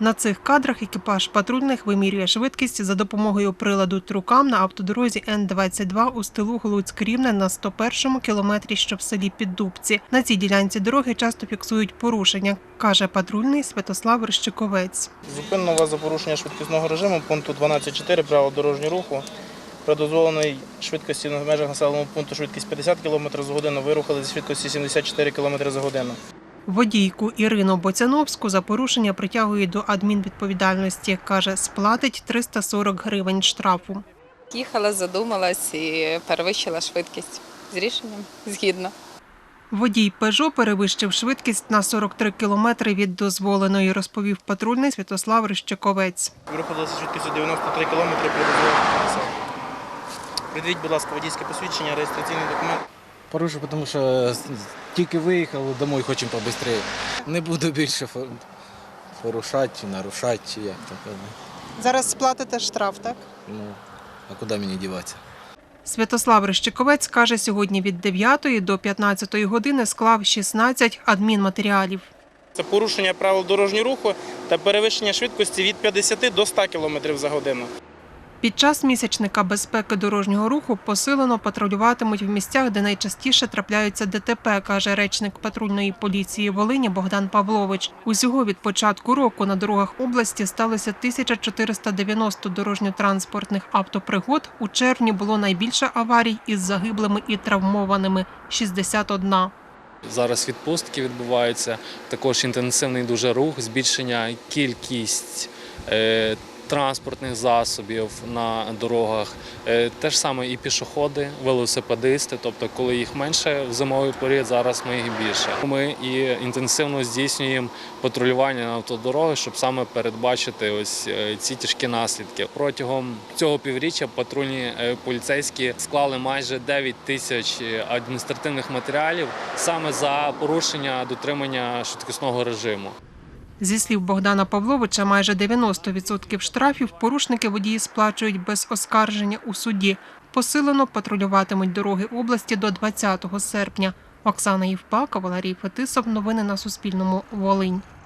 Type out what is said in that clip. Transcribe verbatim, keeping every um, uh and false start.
На цих кадрах екіпаж патрульних вимірює швидкість за допомогою приладу «Трукам» на автодорозі Н двадцять два у стилу Глуцьк-Рівне на сто першому кілометрі, що в селі Піддубці. На цій ділянці дороги часто фіксують порушення, каже патрульний Святослав Рищиковець. Зупинено вас за порушення швидкісного режиму пункту дванадцять чотири правил дорожнього руху. При дозволеній швидкості в межах населеного пункту швидкість п'ятдесят кілометрів за годину, ви рухали зі швидкості сімдесят чотири кілометри за годину. Водійку Ірину Боцяновську за порушення притягують до адмінвідповідальності. Каже, сплатить триста сорок гривень штрафу. Їхала, задумалась і перевищила швидкість. З рішенням згідно. Водій «Пежо» перевищив швидкість на сорок три кілометри від дозволеної, розповів патрульний Святослав Рищиковець. Ви рухали зі швидкістю дев'яносто три кілометри при дозволеній трасі. Придивіть, будь ласка, водійське посвідчення, реєстраційний документ. Порушив, тому що тільки виїхали, домой хочемо побистріше. Не буду більше порушати, нарушати, чи як так. Зараз сплатите штраф, так? Ну, а куди мені діватися? Святослав Рищиковець каже, сьогодні від дев'ятої до п'ятнадцятої години склав шістнадцять адмінматеріалів. Це порушення правил дорожнього руху та перевищення швидкості від п'ятдесяти до ста кілометрів за годину. Під час місячника безпеки дорожнього руху посилено патрулюватимуть в місцях, де найчастіше трапляються ДТП, каже речник патрульної поліції Волині Богдан Павлович. Усього від початку року на дорогах області сталося тисяча чотириста дев'яносто дорожньо-транспортних автопригод. У червні було найбільше аварій із загиблими і травмованими – шістдесят одна. Зараз відпустки відбуваються, також інтенсивний дуже рух, збільшення кількість е, транспортних засобів на дорогах. Е, те ж саме і пішоходи, велосипедисти, тобто коли їх менше в зимовий період, зараз ми їх більше. Ми і інтенсивно здійснюємо патрулювання на автодороги, щоб саме передбачити ось ці тяжкі наслідки. Протягом цього півріччя патрульні поліцейські склали майже дев'ять тисяч адміністративних матеріалів саме за порушення дотримання швидкісного режиму. Зі слів Богдана Павловича, майже дев'яносто відсотків штрафів порушники водії сплачують без оскарження у суді. Посилено патрулюватимуть дороги області до двадцятого серпня. Оксана Євпак, Валерій Фетисов. Новини на Суспільному. Волинь.